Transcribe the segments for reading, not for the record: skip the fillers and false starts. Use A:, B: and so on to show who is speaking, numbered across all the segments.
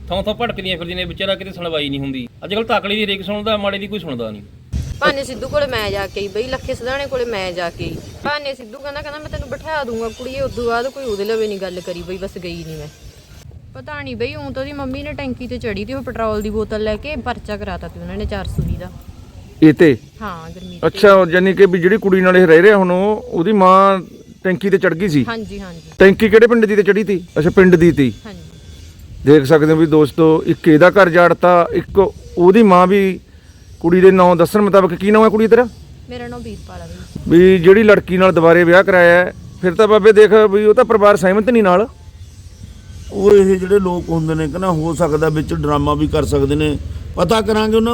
A: ਥਾਂ ਭਟਕਦੀਆਂ ਫਿਰਦੀਆਂ ਨੇ, ਵਿਚਾਰਾ ਕਿਤੇ ਸੁਣਵਾਈ ਨਹੀਂ ਹੁੰਦੀ। ਅੱਜ ਕੱਲ ਤਕੜੀ ਦੀ ਹਰੇਕ ਸੁਣਦਾ, ਮਾੜੇ ਦੀ ਕੋਈ ਸੁਣਦਾ ਨਹੀਂ।
B: ਭਾਨੇ ਸਿੱਧੂ ਕੋਲੇ ਮੈਂ ਜਾ ਕੇ ਬਈ, ਲੱਖੇ ਸਦਾਣੇ ਕੋਲੇ ਮੈਂ ਜਾ ਕੇ ਭਾਨੇ ਸਿੱਧੂ ਕਹਿੰਦਾ ਮੈਂ ਤੈਨੂੰ ਬਿਠਾ ਦੂੰਗਾ ਕੁੜੀਏ। ਉਦੋਂ ਬਾਅਦ ਕੋਈ ਉਹਦੇ ਲਵੇ ਨਹੀਂ ਗੱਲ ਕਰੀ ਬਈ, ਬਸ ਗਈ ਨਹੀਂ ਮੈਂ। ਪਤਾ ਨਹੀਂ ਬਈ, ਤਾਂ ਉਹਦੀ ਮੰਮੀ ਨੇ ਟੈਂਕੀ ਤੇ ਚੜੀ ਤੇ ਉਹ ਪੈਟਰੋਲ ਦੀ ਬੋਤਲ ਲੈ ਕੇ ਪਰਚਾ ਕਰਾਤਾ ਤੇ ਉਹਨਾਂ ਨੇ 420 ਦਾ।
C: ਇਹ ਤੇ
B: ਹਾਂ ਗਰਮੀ।
C: ਅੱਛਾ, ਯਾਨੀ ਕਿ ਵੀ ਜਿਹੜੀ ਕੁੜੀ ਨਾਲ ਇਹ ਰਹਿ ਰਿਹਾ ਹੁਣ ਉਹਦੀ ਮਾਂ ਟੈਂਕੀ ਤੇ ਚੜ ਗਈ ਸੀ।
B: ਹਾਂਜੀ ਹਾਂਜੀ।
C: ਟੈਂਕੀ ਕਿਹੜੇ ਪਿੰਡ ਦੀ ਤੇ ਚੜੀ ਤੀ? ਅੱਛਾ, ਪਿੰਡ ਦੀ ਤੀ।
B: ਹਾਂਜੀ
C: ਦੇਖ ਸਕਦੇ ਹੋ ਵੀ ਦੋਸਤੋ, ਇੱਕ ਇਹਦਾ ਘਰ ਜਾੜਤਾ, ਇੱਕ ਉਹਦੀ ਮਾਂ ਵੀ ਕੁੜੀ ਦੇ ਨਾਂ ਦੱਸਣ ਮੁਤਾਬਕ। ਕੀ ਨਾਮ ਹੈ ਕੁੜੀ ਤੇਰਾ?
B: ਮੇਰਾ ਨਾਮ ਵੀਰਪਾਲ ਆ ਬਈ।
C: ਵੀ ਜਿਹੜੀ ਲੜਕੀ ਨਾਲ ਦੁਬਾਰੇ ਵਿਆਹ ਕਰਾਇਆ ਹੈ, ਫਿਰ ਤਾਂ ਬਾਬੇ ਦੇਖ ਵੀ ਉਹ ਤਾਂ ਪਰਿਵਾਰ ਸਹਿਮਤ ਨਹੀਂ ਨਾਲ।
D: ਉਹ ਇਹ ਜਿਹੜੇ ਲੋਕ ਹੁੰਦੇ ਨੇ ਕਹਿੰਦਾ ਹੋ ਸਕਦਾ ਵਿੱਚ ਡਰਾਮਾ ਵੀ ਕਰ ਸਕਦੇ ਨੇ। ਪਤਾ ਕਰਾਂਗੇ ਉਹਨਾਂ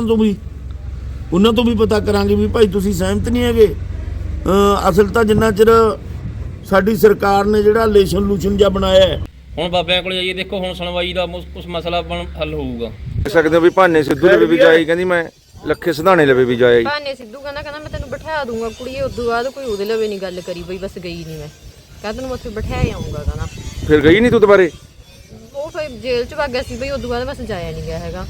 D: ਤੋਂ ਵੀ ਪਤਾ ਕਰਾਂਗੇ ਵੀ ਭਾਈ ਤੁਸੀਂ ਸਹਿਮਤ ਨਹੀਂ ਹੈਗੇ। ਅਸਲ ਤਾਂ ਜਿੰਨਾ ਚਿਰ ਸਾਡੀ ਸਰਕਾਰ ਨੇ ਜਿਹੜਾ ਲੂਸ਼ਨ ਜਿਹਾ ਬਣਾਇਆ ਹੈ,
A: ਹੁਣ ਬਾਬਿਆਂ ਕੋਲ ਜਾਈਏ, ਦੇਖੋ ਹੁਣ ਸੁਣਵਾਈ ਦਾ ਕੁਛ ਮਸਲਾ ਹੱਲ ਹੋਊਗਾ।
C: ਦੇਖ ਸਕਦੇ ਹੋ ਵੀ ਭਾਨੇ ਸਿੱਧੂ ਲਵੇ ਵੀ ਜਾਈ, ਕਹਿੰਦੀ ਮੈਂ ਲੱਖੇ ਸਧਾਣੇ ਲਵੇ ਵੀ ਜਾਈ।
B: ਭਾਨੇ ਸਿੱਧੂ ਕਹਿੰਦਾ ਮੈਂ ਤੈਨੂੰ ਬਿਠਾ ਦੂੰਗਾ ਕੁੜੀਏ। ਉਦੋਂ ਬਾਅਦ ਕੋਈ ਉਹਦੇ ਲਵੇ ਨਹੀਂ ਗੱਲ ਕਰੀ ਬਈ, ਬਸ ਗਈ ਨਹੀਂ ਮੈਂ। ਕਹਿੰਦਾ ਤੈਨੂੰ ਉੱਥੇ ਬਿਠਾਇਆ ਆਉਂਗਾ ਕਹਿੰਦਾ।
C: ਫਿਰ ਗਈ ਨਹੀਂ ਤੂੰ ਦੁਬਾਰੇ?
B: ਉਹ ਫਿਰ ਜੇਲ੍ਹ ਚ ਵਗ ਗਿਆ ਸੀ ਬਈ, ਉਦੋਂ ਬਾਅਦ ਬਸ ਜਾਇਆ ਨਹੀਂ ਗਿਆ ਹੈਗਾ।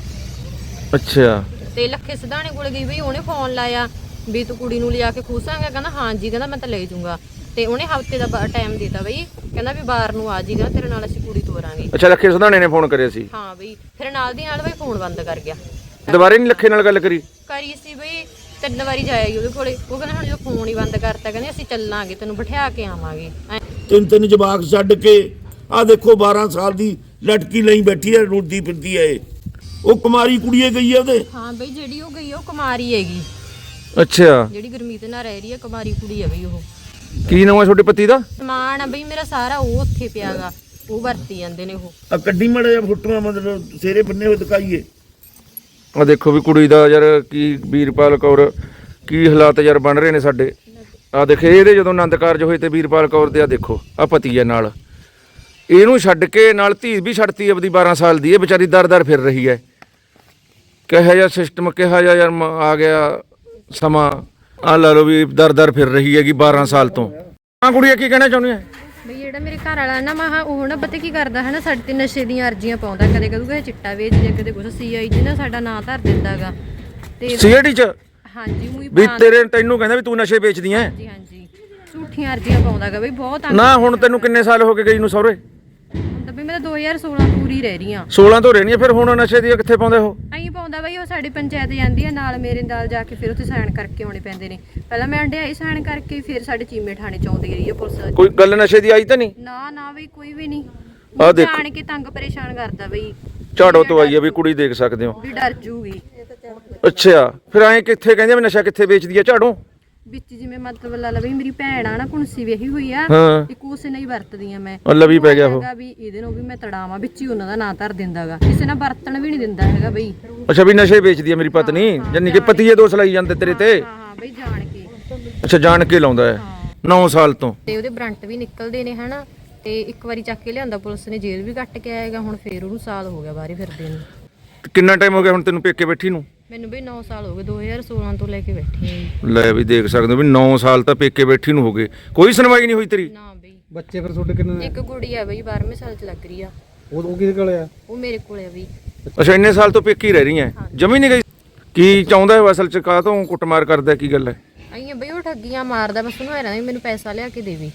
C: ਅੱਛਾ।
B: ਤੇ ਲੱਖੇ ਸਦਾਣੇ ਕੋਲ ਗਈ ਬਈ, ਉਹਨੇ ਫੋਨ ਲਾਇਆ ਵੀ ਤੂੰ ਕੁੜੀ ਨੂੰ ਲਿਜਾ ਕੇ ਖੁਸ਼ਾਂਗਾ? ਕਹਿੰਦਾ ਹਾਂਜੀ। ਕਹਿੰਦਾ ਮੈਂ ਤਾਂ ਲੈ ਜਾਊਂਗਾ। ਤੇ ਉਹਨੇ ਹਫ਼ਤੇ ਦਾ ਟਾਈਮ ਦਿੱਤਾ ਬਈ, ਕਹਿੰਦਾ ਵੀ ਬਾਹਰ ਨੂੰ ਆ ਜੀ, ਕਹਿੰਦਾ ਤੇਰੇ ਨਾਲ ਅਸੀਂ ਕੁੜੀ ਤੋਰਾਂਗੇ।
C: ਅੱਛਾ, ਲੱਖੇ ਸਧਾਣੇ ਨੇ ਫੋਨ ਕਰਿਆ ਸੀ?
B: ਹਾਂ ਬਈ। ਫਿਰ ਨਾਲ ਦੀ ਨਾਲ ਬਈ ਫੋਨ ਬੰਦ ਕਰ ਗਿਆ।
C: ਦੁਬਾਰੇ ਨਹੀਂ ਲੱਖੇ ਨਾਲ ਗੱਲ ਕਰੀ
B: ਸੀ ਬਈ, 3 ਵਾਰੀ ਜਾਇਆ ਉਹਦੇ ਕੋਲੇ। ਉਹ ਕਹਿੰਦਾ ਹੁਣ ਜੋ ਫੋਨ ਹੀ ਬੰਦ ਕਰਤਾ, ਕਹਿੰਦੇ ਅਸੀਂ ਚੱਲਾਂਗੇ, ਤੈਨੂੰ ਬਿਠਾ ਕੇ ਆਵਾਂਗੇ।
D: ਤਿੰਨ ਜਵਾਕ ਛੱਡ ਕੇ ਆਹ ਦੇਖੋ 12 ਸਾਲ ਦੀ ਲਟਕੀ ਲਈ ਬੈਠੀ ਹੈ, ਰੋਟੀ ਫਿਰਦੀ ਹੈ। ਉਹ ਕੁਮਾਰੀ ਕੁੜੀਏ ਗਈ ਹੈ ਉਹਦੇ।
B: ਹਾਂ ਬਈ, ਜਿਹੜੀ ਉਹ ਗਈ ਉਹ ਕੁਮਾਰੀ ਹੈਗੀ।
C: ਅੱਛਾ।
B: ਜਿਹੜੀ ਗੁਰਮੀਤ ਨਾਲ ਰਹਿ ਰਹੀ ਹੈ, ਕੁਮਾਰੀ ਕੁੜੀ ਹੈ ਬਈ ਉਹ।
C: ਕੀ ਨਾਮ ਹੈ ਤੁਹਾਡੇ ਪਤੀ ਦਾ?
B: ਸਮਾਨ ਆ ਬਈ ਮੇਰਾ ਸਾਰਾ ਉਹ ਉੱਥੇ ਪਿਆਗਾ, ਉਹ ਵਰਤੀ ਜਾਂਦੇ ਨੇ ਉਹ।
D: ਆ ਕੱਢੀ ਮੜਾ ਜਿਹਾ ਫੋਟੋਆਂ, ਮਤਲਬ ਸਿਰੇ ਬੰਨੇ ਹੋਏ ਦਿਖਾਈਏ।
C: ਆ ਦੇਖੋ ਵੀ ਕੁੜੀ ਦਾ ਯਾਰ ਕੀ ਵੀਰਪਾਲ ਕੌਰ ਕੀ ਹਾਲਾਤ ਯਾਰ ਬਣ ਰਹੇ ਨੇ ਸਾਡੇ। ਆ ਦੇਖੇ ਇਹਦੇ ਜਦੋਂ ਆਨੰਦ ਕਾਰਜ ਹੋਏ ਤੇ ਵੀਰਪਾਲ ਕੌਰ ਦੇ ਆ ਦੇਖੋ ਆ ਪਤੀ ਹੈ ਨਾਲ, ਇਹਨੂੰ ਛੱਡ ਕੇ ਨਾਲ ਧੀ ਵੀ ਛੱਡਤੀ ਆਪਦੀ 12 ਸਾਲ ਦੀ। ਇਹ ਵਿਚਾਰੀ ਦਰ ਫਿਰ ਰਹੀ ਹੈ। ਕਿਹੋ ਜਿਹਾ ਸਿਸਟਮ, ਕਿਹੋ ਜਿਹਾ ਯਾਰ ਆ ਗਿਆ ਸਮਾਂ। ਆ ਲਾ ਲਓ ਵੀ ਦਰ ਫਿਰ ਰਹੀ ਹੈਗੀ 12 ਸਾਲ ਤੋਂ। ਆ ਕੁੜੀਆਂ ਕੀ ਕਹਿਣਾ ਚਾਹੁੰਦੀ ਹੈ?
B: ਬਈ ਜਿਹੜਾ ਮੇਰੇ ਘਰ ਵਾਲਾ ਨਾ ਮਹਾ ਉਹ ਨਾ ਪਤਾ ਕੀ ਕਰਦਾ ਹੈ ਨਾ, ਸਾਡੇ ਤੇ ਨਸ਼ੇ ਦੀਆਂ ਅਰਜ਼ੀਆਂ ਪਾਉਂਦਾ। ਕਦੇ ਕਹੂਗਾ ਇਹ ਚਿੱਟਾ ਵੇਚ ਜਾਂ ਕਦੇ ਕੁਛ CID ਨਾ ਸਾਡਾ ਨਾਂ ਧਰ ਦਿੰਦਾਗਾ। ਤੇ
C: CID ਚ?
B: ਹਾਂਜੀ।
C: ਵੀ ਤੈਨੂੰ ਕਹਿੰਦਾ ਵੀ ਤੂੰ ਨਸ਼ੇ ਵੇਚਦੀ ਐ?
B: ਹਾਂਜੀ ਹਾਂਜੀ, ਝੂਠੀਆਂ ਅਰਜ਼ੀਆਂ ਪਾਉਂਦਾਗਾ ਬਈ ਬਹੁਤ।
C: ਨਾ ਹੁਣ ਤੈਨੂੰ ਕਿੰਨੇ ਸਾਲ ਹੋ ਗਏ ਗਈ ਨੂੰ ਸਹੁਰੇ?
B: ਤਾਂ ਬਈ ਮੈਂ ਤਾਂ 2016 ਤੋਂ ਹੀ ਰਹਿ ਰਹੀ ਹਾਂ।
C: 16 ਤੋਂ ਰਹਿਣੀ ਆ, ਫਿਰ ਹੁਣ ਨਸ਼ੇ ਦੀ ਕਿੱਥੇ ਪਾਉਂਦੇ ਹੋ?
B: ਐਂ ਪਾਉਂਦਾ ਬਈ ਉਹ ਸਾਡੀ ਪੰਚਾਇਤ ਜਾਂਦੀ ਆ ਨਾਲ, ਮੇਰੇ ਨਾਲ ਜਾ ਕੇ ਫਿਰ ਉੱਥੇ ਸਾਈਨ ਕਰਕੇ ਆਉਣੇ ਪੈਂਦੇ ਨੇ। ਪਹਿਲਾਂ ਮੈਂ ਅੰਡਿਆਈ ਸਾਈਨ ਕਰਕੇ, ਫਿਰ ਸਾਡੇ ਚੀਮੇ ਥਾਣੇ ਚ ਆਉਂਦੀ ਰਹੀ ਆ ਪੁਲਿਸ।
C: ਕੋਈ ਗੱਲ ਨਸ਼ੇ ਦੀ ਆਈ ਤਾਂ ਨਹੀਂ?
B: ਨਾ ਬਈ ਕੋਈ ਵੀ ਨਹੀਂ।
C: ਆ ਦੇਖੋ
B: ਜਾਣ ਕੇ ਤੰਗ ਪਰੇਸ਼ਾਨ ਕਰਦਾ ਬਈ।
C: ਝਾੜੋ ਤੋਂ ਆਈ ਆ ਵੀ ਕੁੜੀ, ਦੇਖ ਸਕਦੇ ਹੋ
B: ਵੀ ਡਰ ਜੂਗੀ।
C: ਅੱਛਾ, ਫਿਰ ਐਂ ਕਿੱਥੇ ਕਹਿੰਦੇ ਨਸ਼ਾ ਕਿੱਥੇ ਵੇਚਦੀ ਆ ਝਾੜੋ?
B: ਵਿੱਚ ਜਿਵੇਂ ਮਤਲਬ ਲਾ ਲਾ ਬਈ ਮੇਰੀ ਭੈਣ ਆ ਨਾ, ਕੁੰਸੀ ਵਿਆਹੀ ਹੋਈ ਆ,
C: ਹਾਂ।
B: ਇੱਕ ਉਸੇ ਨਾਲ ਹੀ ਵਰਤਦੀ ਆ ਮੈਂ।
C: ਲਵੀ ਪੈ ਗਿਆ ਉਹ
B: ਵੀ ਇਹਦੇ ਨੂੰ ਵੀ ਮੈਂ ਤੜਾਵਾਂ, ਵਿੱਚ ਹੀ ਉਹਨਾਂ ਦਾ ਨਾਂ ਧਰ ਦਿੰਦਾਗਾ, ਕਿਸੇ ਨਾਲ ਵਰਤਣ ਵੀ ਨਹੀਂ ਦਿੰਦਾ ਹੈਗਾ ਬਈ।
C: ਅੱਛਾ, ਵੀ ਨਸ਼ੇ ਵੇਚਦੀ ਆ ਮੇਰੀ ਪਤਨੀ, ਜਾਨੀ ਕਿ ਪਤੀਏ ਦੋਸ਼ ਲਾਈ ਜਾਂਦੇ ਤੇਰੇ ਤੇ?
B: ਹਾਂ ਬਈ ਜਾਣ ਕੇ।
C: ਅੱਛਾ, ਜਾਣ ਕੇ ਲਾਉਂਦਾ ਹੈ 9 ਸਾਲ ਤੋਂ।
B: ਤੇ ਉਹਦੇ ਬਰੰਟ ਵੀ ਨਿਕਲਦੇ ਨੇ ਹਨਾ। ਤੇ ਇੱਕ ਵਾਰੀ ਚੱਕ ਕੇ ਲਿਆਂਦਾ ਪੁਲਿਸ ਨੇ, ਜੇਲ੍ਹ ਵੀ ਕੱਟ ਕੇ ਆਏਗਾ। ਹੁਣ ਫੇਰ ਉਹਨੂੰ ਸਾਲ ਹੋ ਗਿਆ ਬਾਹਰ ਫਿਰਦੇ ਨੂੰ।
C: ਕਿੰਨਾ ਟਾਈਮ ਹੋ ਗਿਆ ਹੁਣ ਤੈਨੂੰ ਪੇਕੇ ਬੈਠੀ ਨੂੰ?
B: ਮੈਨੂੰ ਬਈ 9 ਸਾਲ ਹੋ ਗਏ, 2016 ਤੋਂ ਲੈ ਕੇ ਬੈਠੀ ਆ।
C: ਲੈ ਵੀ ਦੇਖ ਸਕਦੇ ਹੋ ਵੀ 9 ਸਾਲ ਤਾਂ ਪੇਕੇ ਬੈਠੀ ਨੂੰ ਹੋ ਗਏ, ਕੋਈ ਸੁਣਵਾਈ ਨਹੀਂ ਹੋਈ ਤੇਰੀ?
B: ਨਾ ਬਈ।
E: ਬੱਚੇ ਫਿਰ ਤੁਹਾਡੇ ਕਿੰਨੇ ਨੇ?
B: ਇੱਕ ਕੁੜੀ ਆ ਬਈ 12ਵੇਂ ਸਾਲ ਚ ਲੱਗ ਰਹੀ ਆ।
E: ਉਹ ਕਿਹਦੇ ਕੋਲ ਆ?
B: ਉਹ ਮੇਰੇ ਕੋਲੇ ਆ ਬਈ।
C: ਅੱਛਾ, ਇੰਨੇ ਸਾਲ ਤੋਂ ਪੇਕੀ ਰਹਿ ਰਹੀ ਐ, ਜਮੀ ਨਹੀਂ ਗਈ? ਕੀ ਚਾਹੁੰਦਾ ਹੈ ਅਸਲ ਚ? ਕਾਹ ਤੋਂ ਕੁੱਟਮਾਰ ਕਰਦਾ, ਕੀ ਗੱਲ ਹੈ?
B: ਆਈਆਂ ਬਈ ਉਹ ਠੱਗੀਆਂ ਮਾਰਦਾ, ਬਸ ਉਹਨੂੰ ਐ ਮੈਨੂੰ ਪੈਸਾ ਲਿਆ ਕੇ ਦੇਵੀ।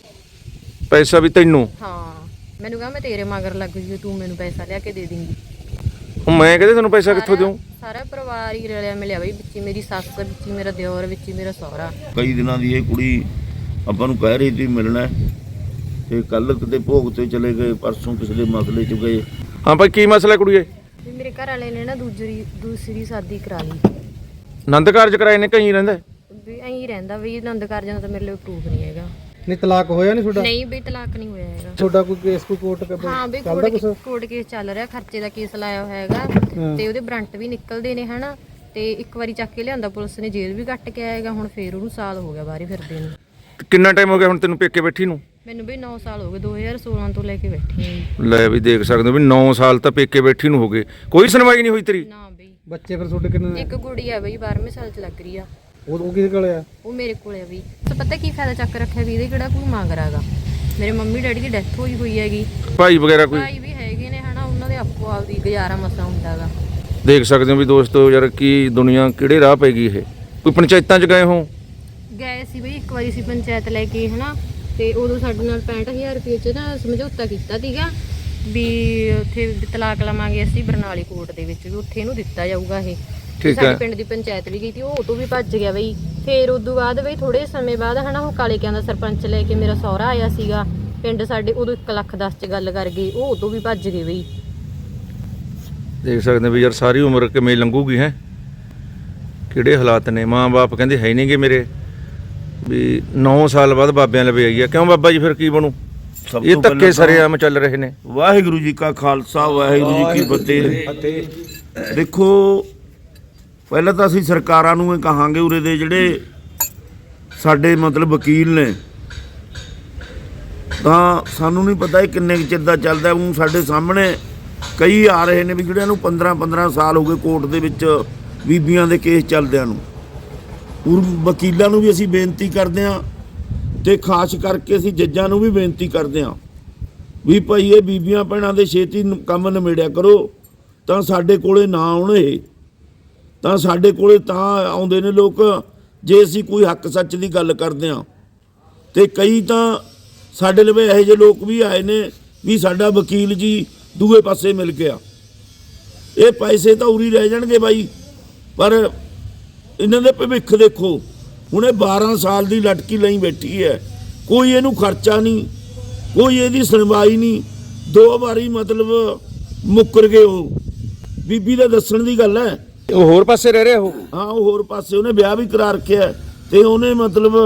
C: ਪੈਸਾ ਵੀ ਤੈਨੂੰ?
B: ਹਾਂ, ਮੈਨੂੰ ਕਹਾ ਮੈਂ ਤੇਰੇ ਮਗਰ ਲੱਗ ਜੂ, ਤੂੰ ਮੈਨੂੰ ਪੈਸਾ ਲਿਆ ਕੇ ਦੇ ਦੇਂਗੀ।
C: ਮੈਂ ਕਹਿੰਦਾ ਤੈਨੂੰ ਪੈਸਾ ਕਿੱਥੋਂ ਦੇਵਾਂ?
B: ਸਾਰਾ ਪਰਿਵਾਰ ਹੀ ਰਲਿਆ ਮਿਲਿਆ ਬਈ, ਵਿੱਚ ਮੇਰੀ ਸੱਸ, ਵਿੱਚ ਮੇਰਾ ਦਿਓਰ, ਵਿੱਚ ਮੇਰਾ ਸਹੁਰਾ।
D: ਕਈ ਦਿਨਾਂ ਦੀ ਇਹ ਕੁੜੀ ਆਪਾਂ ਨੂੰ ਕਹਿ ਰਹੀ ਸੀ ਮਿਲਣਾ, ਤੇ ਕੱਲ ਕਿਤੇ ਭੋਗ ਤੇ ਚਲੇ ਗਏ, ਪਰਸੋਂ ਕਿਸੇ ਦੇ ਮਸਲੇ 'ਚ ਗਏ।
C: ਹਾਂ ਭਾਈ, ਕੀ ਮਸਲਾ ਕੁੜੀਏ?
B: ਵੀ ਮੇਰੇ ਘਰ ਵਾਲੇ ਨੇ ਨਾ ਦੂਸਰੀ ਸ਼ਾਦੀ ਕਰਾ ਲਈ।
C: ਆਨੰਦ ਕਾਰਜ ਕਰਾਏ ਨੇ? ਕਹੀਂ ਰਹਿੰਦਾ?
B: ਵੀ ਐਂ ਰਹਿੰਦਾ ਬਈ, ਆਨੰਦ ਕਾਰਜਾਂ ਦਾ ਤਾਂ ਮੇਰੇ ਲਈ ਪ੍ਰੂਫ ਨਹੀਂ ਹੈਗਾ।
E: ਨਹੀਂ ਤਲਾਕ ਹੋਇਆ ਨਹੀਂ ਤੁਹਾਡਾ?
B: ਨਹੀਂ ਬਈ, ਤਲਾਕ ਨਹੀਂ ਹੋਇਆ ਹੈਗਾ।
E: ਤੁਹਾਡਾ ਕੋਈ ਕੇਸ, ਕੋਈ ਕੋਰਟ
B: ਹਾਂ ਬਈ, ਕੋਰਟ ਕੇਸ ਚੱਲ ਰਿਹਾ, ਖਰਚੇ ਦਾ ਕੇਸ ਲਾਇਆ ਹੋਇਆ ਹੈਗਾ। ਤੇ ਉਹਦੇ ਬਰੰਟ ਵੀ ਨਿਕਲਦੇ ਨੇ ਹਨਾ। ਤੇ ਇੱਕ ਵਾਰੀ ਚੱਕ ਕੇ ਲਿਆਂਦਾ ਪੁਲਿਸ ਨੇ, ਜੇਲ੍ਹ ਵੀ ਕੱਟ ਕੇ ਆਏਗਾ। ਹੁਣ ਫੇਰ ਉਹਨੂੰ ਸਾਲ ਹੋ ਗਿਆ ਬਾਹਰ ਫਿਰਦੇ ਨੂੰ।
C: ਕਿੰਨਾ ਟਾਈਮ ਹੋ ਗਿਆ ਹੁਣ ਤੈਨੂੰ ਪੇਕੇ ਬੈਠੀ ਨੂੰ?
B: ਮੈਨੂੰ ਬਈ 9 ਸਾਲ ਹੋ ਗਏ, 2016 ਤੋਂ ਲੈ ਕੇ ਬੈਠੀ ਆ।
C: ਲੈ ਵੀ ਦੇਖ ਸਕਦੇ ਹੋ ਵੀ 9 ਸਾਲ ਤਾਂ ਪੇਕੇ ਬੈਠੀ ਨੂੰ ਹੋ ਗਏ, ਕੋਈ ਸੁਣਵਾਈ ਨਹੀਂ ਹੋਈ ਤੇਰੀ?
B: ਨਾ ਬਈ।
E: ਬੱਚੇ ਫਿਰ ਤੁਹਾਡੇ ਕਿੰਨੇ ਨੇ?
B: ਇੱਕ ਕੁੜੀ ਆ ਬਈ 12ਵੇਂ ਸਾਲ ਚ ਲੱਗ ਰਹੀ ਆ।
E: ਉਹ ਕਿਹਦੇ ਕੋਲ ਆ?
B: ਉਹ ਮੇਰੇ ਕੋਲੇ ਆ ਬਈ। ਤਾਂ ਪਤਾ ਕੀ ਫਾਇਦਾ ਚੱਕ ਰੱਖਿਆ ਵੀ, ਇਹਦੇ ਕਿਹੜਾ ਕੋਈ ਮੰਗ ਰਾਗਾ। ਮੇਰੇ ਮੰਮੀ ਡੈਡੀ ਦੀ ਡੈਥ ਹੋਈ ਹੈਗੀ।
C: ਭਾਈ ਵਗੈਰਾ ਕੋਈ?
B: ਭਾਈ ਵੀ ਹੈਗੇ ਨੇ ਹਨਾ, ਉਹਨਾਂ ਦੇ ਆਪੋ ਆਪਦੀ ਗੁਜ਼ਾਰਾ ਮਸਾ ਹੁੰਦਾਗਾ।
C: ਦੇਖ ਸਕਦੇ ਹੋ ਵੀ ਦੋਸਤੋ ਯਾਰ ਕੀ ਦੁਨੀਆ ਕਿਹੜੇ ਰਾਹ ਪੈ ਗਈ ਇਹ। ਕੋਈ ਪੰਚਾਇਤਾਂ 'ਚ ਗਏ ਹੋ?
B: ਗਏ ਸੀ ਬਈ ਇੱਕ ਵਾਰੀ ਸੀ ਪੰਚਾਇਤ ਲੈ ਕੇ ਹਨਾ, ਤੇ ਉਦੋਂ ਸਾਡੇ ਨਾਲ 65000 ਰੁਪਏ ਚ ਨਾ ਸਮਝੌਤਾ ਕੀਤਾ ਸੀਗਾ ਵੀ ਉੱਥੇ ਤਲਾਕ ਲਵਾਂਗੇ ਅਸੀਂ ਬਰਨਾਲੇ ਕੋਰਟ ਦੇ ਵਿੱਚ, ਵੀ ਉੱਥੇ ਇਹਨੂੰ ਦਿੱਤਾ ਜਾਊਗਾ ਇਹ।
C: ਠੀਕ
B: ਸਾਡੇ
C: ਹੈ।
B: ਪਿੰਡ ਦੀ ਪੰਚਾਇਤ ਵੀ ਗਈ ਸੀ, ਉਹ ਤੋਂ ਵੀ ਭੱਜ ਗਿਆ ਬਈ। ਫਿਰ ਉਦੋਂ ਬਾਅਦ ਬਈ ਥੋੜੇ ਸਮੇਂ ਬਾਅਦ ਹਨਾ ਉਹ ਕਾਲੇ ਕਿਆਂ ਦਾ ਸਰਪੰਚ ਲੈ ਕੇ ਮੇਰਾ ਸਹੁਰਾ ਆਇਆ ਸੀਗਾ ਪਿੰਡ ਸਾਡੇ, ਉਦੋਂ 1,10,00,000 ਚ ਗੱਲ ਕਰ ਗਏ, ਉਹ ਤੋਂ ਵੀ ਭੱਜ ਗਏ ਬਈ।
C: ਦੇਖ ਸਕਦੇ ਵੀ ਯਾਰ ਸਾਰੀ ਉਮਰ ਕਿਵੇਂ ਲੰਘੂਗੀ ਹੈ, ਕਿਹੜੇ ਹਾਲਾਤ ਨੇ। ਮਾਂ-ਬਾਪ ਕਹਿੰਦੇ ਹੈ ਨਹੀਂਗੇ ਮੇਰੇ, ਵੀ 9 ਸਾਲ ਬਾਅਦ ਬਾਬਿਆਂ ਲਵੇ ਆਈ ਆ। ਕਿਉਂ ਬਾਬਾ ਜੀ ਫਿਰ ਕੀ ਬਣੂ?
D: ਸਭ
C: ਇਹ
D: ਤੋਂ
C: ਧੱਕੇ
D: ਪਹਿਲਾਂ
C: ਸਰੇਆਮ ਚੱਲ ਰਹੇ ਨੇ।
D: ਵਾਹਿਗੁਰੂ ਜੀ ਕਾ ਖਾਲਸਾ ਵਾਹਿਗੁਰੂ ਜੀ ਕੀ ਫਤਿਹ। ਦੇਖੋ ਪਹਿਲਾਂ ਤਾਂ ਅਸੀਂ ਸਰਕਾਰਾਂ ਨੂੰ ਇਹ ਕਹਾਂਗੇ, ਉਰੇ ਦੇ ਜਿਹੜੇ ਸਾਡੇ ਮਤਲਬ ਵਕੀਲ ਨੇ, ਤਾਂ ਸਾਨੂੰ ਨਹੀਂ ਪਤਾ ਇਹ ਕਿੰਨੇ ਕੁ ਚਿਰ ਦਾ ਚੱਲਦਾ। ਹੁਣ ਸਾਡੇ ਸਾਹਮਣੇ ਕਈ ਆ ਰਹੇ ਨੇ ਵੀ ਜਿਹੜਿਆਂ ਨੂੰ 15-15 ਸਾਲ ਹੋ ਗਏ ਕੋਰਟ ਦੇ ਵਿੱਚ ਬੀਬੀਆਂ ਦੇ ਕੇਸ ਚੱਲਦਿਆਂ ਨੂੰ। ਵਕੀਲਾਂ ਨੂੰ ਵੀ ਅਸੀਂ ਬੇਨਤੀ ਕਰਦੇ ਹਾਂ ਤੇ ਖਾਸ ਕਰਕੇ ਅਸੀਂ ਜੱਜਾਂ ਨੂੰ ਵੀ ਬੇਨਤੀ ਕਰਦੇ ਹਾਂ ਵੀ ਭਾਈ ਇਹ ਬੀਬੀਆਂ ਭੈਣਾਂ ਦੇ ਛੇਤੀ ਕੰਮ ਨਿਬੇੜਿਆ ਕਰੋ, ਤਾਂ ਸਾਡੇ ਕੋਲੇ ਨਾ ਆਉਣ ਇਹ। ਤਾਂ ਸਾਡੇ ਕੋਲੇ ਤਾਂ ਆਉਂਦੇ ਨੇ ਲੋਕ ਜੇ ਅਸੀਂ ਕੋਈ ਹੱਕ ਸੱਚ ਦੀ ਗੱਲ ਕਰਦੇ ਹਾਂ। ਤੇ ਕਈ ਤਾਂ ਸਾਡੇ ਲਵੇ ਇਹੋ ਜਿਹੇ ਲੋਕ ਵੀ ਆਏ ਨੇ ਵੀ ਸਾਡਾ ਵਕੀਲ ਜੀ ਦੂਏ ਪਾਸੇ ਮਿਲ ਗਿਆ। ਇਹ ਪੈਸੇ ਤਾਂ ਉਰੀ ਰਹਿ ਜਾਣਗੇ ਬਾਈ, ਪਰ ਇਹਨਾਂ ਦੇ ਭਵਿੱਖ ਦੇਖੋ। ਹੁਣ ਇਹ 12 ਸਾਲ ਦੀ ਲਟਕੀ ਲਈ ਬੈਠੀ ਹੈ, ਕੋਈ ਇਹਨੂੰ ਖਰਚਾ ਨਹੀਂ, ਕੋਈ ਇਹਦੀ ਸੁਣਵਾਈ ਨਹੀਂ। 2 ਵਾਰੀ ਮਤਲਬ ਮੁੱਕਰ ਗਏ ਉਹ। ਬੀਬੀ ਦੇ ਦੱਸਣ ਦੀ ਗੱਲ ਹੈ,
C: ਉਹ ਹੋਰ ਪਾਸੇ ਰਹਿ ਰਿਹਾ ਉਹ।
D: ਹਾਂ ਉਹ ਹੋਰ ਪਾਸੇ ਉਹਨੇ ਵਿਆਹ ਵੀ ਕਰਾ ਰੱਖਿਆ ਤੇ ਉਹਨੇ ਮਤਲਬ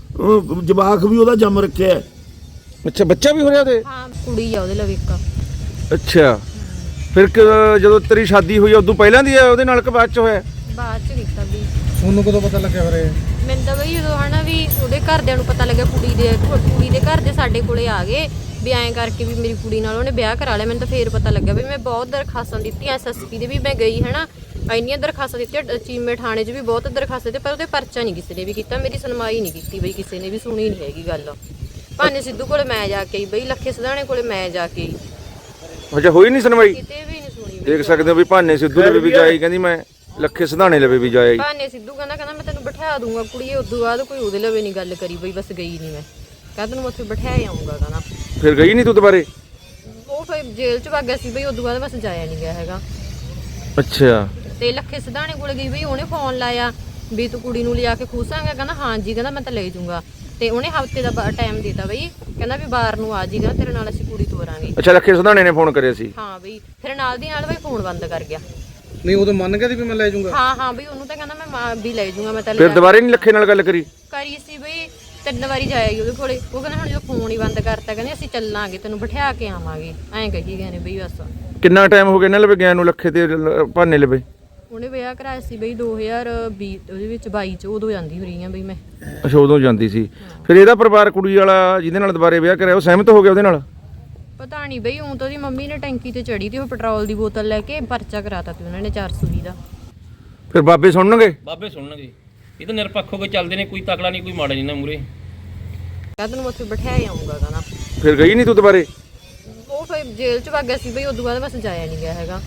D: ਜਵਾਕ ਵੀ ਉਹਦਾ ਜੰਮ ਰੱਖਿਆ।
C: ਅੱਛਾ, ਬੱਚਾ ਵੀ ਹੋ ਰਿਹਾ ਉਹਦੇ?
B: ਹਾਂ ਕੁੜੀ ਆ ਉਹਦੇ ਲਵੇ ਇੱਕ।
C: ਅੱਛਾ, ਫਿਰ ਜਦੋਂ ਤੇਰੀ ਸ਼ਾਦੀ ਹੋਈ ਉਦੋਂ ਪਹਿਲਾਂ ਦੀ ਹੈ ਉਹਦੇ ਨਾਲ ਕਿ ਬਾਅਦ ਚ ਹੋਇਆ?
B: ਬਾਅਦ ਚ ਕੀਤਾ ਵੀ।
E: ਤੁਹਾਨੂੰ ਕਦੋਂ ਪਤਾ ਲੱਗਿਆ ਫਿਰ ਇਹ?
B: ਮੈਨੂੰ ਤਾਂ ਬਈ ਜਦੋਂ ਹਨਾ ਵੀ ਉਹਦੇ ਘਰਦਿਆਂ ਨੂੰ ਪਤਾ ਲੱਗਿਆ, ਕੁੜੀ ਦੇ ਘਰ ਦੇ ਸਾਡੇ ਕੋਲੇ ਆ ਗਏ ਵੀ ਐਂ ਕਰਕੇ ਵੀ ਮੇਰੀ ਕੁੜੀ ਨਾਲ ਉਹਨੇ ਵਿਆਹ ਕਰਾ ਲਿਆ। ਮੈਨੂੰ ਤਾਂ ਫੇਰ ਪਤਾ ਲੱਗਾ ਵੀ ਮੈਂ ਬਹੁਤ ਦਰਖਾਸਤਾਂ ਦਿੱਤੀਆਂ, SSP ਦੇ ਵੀ ਮੈਂ ਗਈ ਹਨਾ, ਇੰਨੀਆਂ ਦਰਖਾਸਤਾਂ ਦਿੱਤੀਆਂ, ਚੀਮੇ ਥਾਣੇ 'ਚ ਵੀ ਬਹੁਤ ਦਰਖਾਸਤਾਂ ਦਿੱਤੀਆਂ, ਪਰ ਉਹਦੇ ਪਰਚਾ ਨਹੀਂ ਕਿਸੇ ਨੇ ਵੀ ਕੀਤਾ, ਮੇਰੀ ਸੁਣਵਾਈ ਨਹੀਂ ਕੀਤੀ ਬਈ, ਕਿਸੇ ਨੇ ਵੀ ਸੁਣੀ ਨਹੀਂ ਹੈਗੀ ਗੱਲ। ਭਾਨੇ ਸਿੱਧੂ ਕੋਲੇ ਮੈਂ ਜਾ ਕੇ ਆਈ ਬਈ, ਲੱਖੇ ਸਿਧਾਣੇ ਕੋਲੇ ਮੈਂ ਜਾ ਕੇ ਆਈ,
C: ਅੱਛਾ ਹੋਈ ਨਹੀਂ ਸੁਣਵਾਈ?
B: ਕਿਤੇ ਵੀ ਨਹੀਂ ਸੁਣੀ ਬਈ।
C: ਦੇਖ ਸਕਦੇ ਹੋ ਵੀ ਭਾਨੇ ਸਿੱਧੂ ਲਵੇ ਵੀ ਜਾਈ, ਕਹਿੰਦੀ ਮੈਂ ਲੱਖੇ ਸਿਧਾਣੇ ਲਵੇ ਵੀ ਜਾਈ।
B: ਭਾਨੇ ਸਿੱਧੂ ਕਹਿੰਦਾ ਮੈਂ ਤੈਨੂੰ ਬਿਠਾ ਦੂੰਗਾ ਕੁੜੀਏ, ਉਦੋਂ ਬਾਅਦ ਕੋਈ ਉਹਦੇ ਲਵੇ ਨਹੀਂ ਗੱਲ ਕਰੀ ਬਈ, ਬਸ ਗਈ ਨਹੀਂ ਮੈਂ, ਕਹਿੰਦਾ ਤੈਨੂੰ ਉੱਥੇ ਬਿਠਾਇਆ ਆਉਂਗਾ ਕਹਿੰਦਾ।
C: ਫਿਰ ਗਈ ਨਹੀਂ ਤੂੰ ਦੁਬਾਰੇ?
B: ਉਹ ਫਿਰ ਜੇਲ੍ਹ 'ਚ ਵਗ ਗਿਆ ਸੀ ਬਈ, ਉਦੋਂ ਬਾਅਦ ਬਸ ਜਾਇਆ ਨਹੀਂ ਗਿਆ ਹੈਗਾ।
C: ਅੱਛਾ,
B: ਤੇ ਲੱਖੇ ਸਿਧਾਣੇ ਕੋਲ ਗਈ ਬਈ, ਉਹਨੇ ਫੋਨ ਲਾਇਆ ਵੀ ਤੂੰ ਕੁੜੀ ਨੂੰ ਲਿਆ ਕੇ ਖੂਸਾਂਗਾ, ਕਹਿੰਦਾ ਹਾਂਜੀ, ਕਹਿੰਦਾ ਮੈਂ ਤਾਂ ਲੈ ਜਾਊਂਗਾ। ਤੇ ਉਹਨੇ ਹਫਤੇ ਦਾ ਟਾਈਮ ਦਿੱਤਾ ਬਈ, ਕਹਿੰਦਾ ਵੀ ਬਾਰ ਨੂੰ ਆ ਜੀ, ਕਹਿੰਦਾ ਤੇਰੇ ਨਾਲ ਅਸੀਂ ਕੁੜੀ ਤੋਰਾਂਗੇ।
C: ਅੱਛਾ, ਲੱਖੇ ਸਿਧਾਣੇ ਨੇ ਫੋਨ ਕਰਿਆ ਸੀ?
B: ਹਾਂ ਬਈ, ਫਿਰ ਨਾਲ ਦੀ ਨਾਲ ਬਈ ਫੋਨ ਬੰਦ ਕਰ ਗਿਆ।
E: ਨਹੀਂ ਉਦੋਂ ਮੰਨ ਗਿਆ ਸੀ ਵੀ ਮੈਂ ਲੈ ਜਾਊਂਗਾ?
B: ਹਾਂ ਬਈ, ਉਹਨੂੰ ਤਾਂ ਕਹਿੰਦਾ ਮੈਂ ਵੀ ਲੈ ਜਾਊਂਗਾ, ਮੈਂ ਤਾਂ
C: ਫਿਰ ਦੁਬਾਰੇ ਨਹੀਂ ਲੱਖੇ ਨਾਲ ਗੱਲ ਕਰੀ?
B: ਕਰੀ ਸੀ ਬਈ, 3 ਵਾਰੀ ਜਾਏਗੀ ਉਹਦੇ ਕੋਲੇ। ਉਹ ਕਹਿੰਦਾ ਹੁਣ ਜਦੋਂ ਫੋਨ ਹੀ ਬੰਦ ਕਰਤਾ, ਕਹਿੰਦੇ ਅਸੀਂ ਚੱਲਾਂਗੇ, ਤੈਨੂੰ ਬਿਠਾ ਕੇ ਆਵਾਂਗੇ, ਐਂ ਕਹੀ ਗਏ ਨੇ ਬਈ ਬਸ।
C: ਕਿੰਨਾ ਟਾਈਮ ਹੋ ਗਿਆ ਇਹਨਾਂ ਲਵੇ ਗਿਆ ਨੂੰ, ਲੱਖੇ ਤੇ ਭਾਨੇ ਲਵੇ?
B: ਉਹਨੇ ਵਿਆਹ ਕਰਾਇਆ ਸੀ ਬਈ 2020 ਉਹਦੇ ਵਿੱਚ 22 ਚ, ਉਦੋਂ ਜਾਂਦੀ ਹੋ ਰਹੀ ਆ ਬਈ ਮੈਂ।
C: ਅੱਛਾ, ਉਦੋਂ ਜਾਂਦੀ ਸੀ। ਫਿਰ ਇਹਦਾ ਪਰਿਵਾਰ ਕੁੜੀ ਵਾਲਾ ਜਿਹਦੇ ਨਾਲ ਦੁਬਾਰੇ ਵਿਆਹ ਕਰਿਆ ਉਹ ਸਹਿਮਤ ਹੋ ਗਿਆ ਉਹਦੇ ਨਾਲ?
B: ਪਤਾ ਨਹੀਂ ਬਈ, ਉਹ ਤਾਂ ਉਹਦੀ ਮੰਮੀ ਨੇ ਟੈਂਕੀ ਤੇ ਚੜੀ ਤੇ ਉਹ ਪੈਟਰੋਲ ਦੀ ਬੋਤਲ ਲੈ ਕੇ ਪਰਚਾ ਕਰਾਤਾ ਤੇ ਉਹਨਾਂ ਨੇ 420 ਦਾ।
C: ਫਿਰ ਬਾਬੇ ਸੁਣਨਗੇ?
A: ਬਾਬੇ ਸੁਣਨਗੇ, ਇਹ ਤਾਂ ਨਿਰਪੱਖ ਹੋ ਕੇ ਚੱਲਦੇ ਨੇ, ਕੋਈ ਤਕੜਾ ਨਹੀਂ ਕੋਈ ਮਾੜਾ ਨਹੀਂ ਨਾ ਮੂਰੇ।
B: ਕਹਿੰਦਾ ਤੈਨੂੰ ਉੱਥੇ ਬਿਠਾਇਆ ਆਉਂਗਾ ਕਹਿੰਦਾ।
C: ਫਿਰ ਗਈ ਨਹੀਂ ਤੂੰ ਦੁਬਾਰੇ?
B: ਉਹ ਫਿਰ ਜੇਲ੍ਹ 'ਚ ਵਗ ਗਿਆ ਸੀ ਬਈ, ਉਦੋਂ ਬਾਅਦ ਬਸ ਜਾਇਆ ਨਹੀਂ ਗਿਆ ਹੈਗਾ।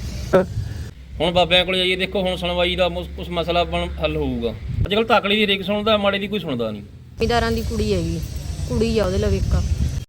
A: ਹੁਣ ਬਾਬਿਆਂ ਕੋਲ ਜਾਈਏ, ਦੇਖੋ ਹੁਣ ਸੁਣਵਾਈ ਦਾ ਕੁਛ ਮਸਲਾ ਹੱਲ ਹੋਊਗਾ। ਅੱਜ ਕੱਲ੍ਹ ਤਕੜੀ ਦੀ ਰੇਕ ਸੁਣਦਾ, ਮਾੜੇ ਦੀ ਕੋਈ ਸੁਣਦਾ ਨਹੀਂ।
B: ਜ਼ਿਮੀਂਦਾਰਾਂ ਦੀ ਕੁੜੀ ਹੈਗੀ, ਕੁੜੀ ਆ ਉਹਦੇ ਲਵੇ ਇੱਕ।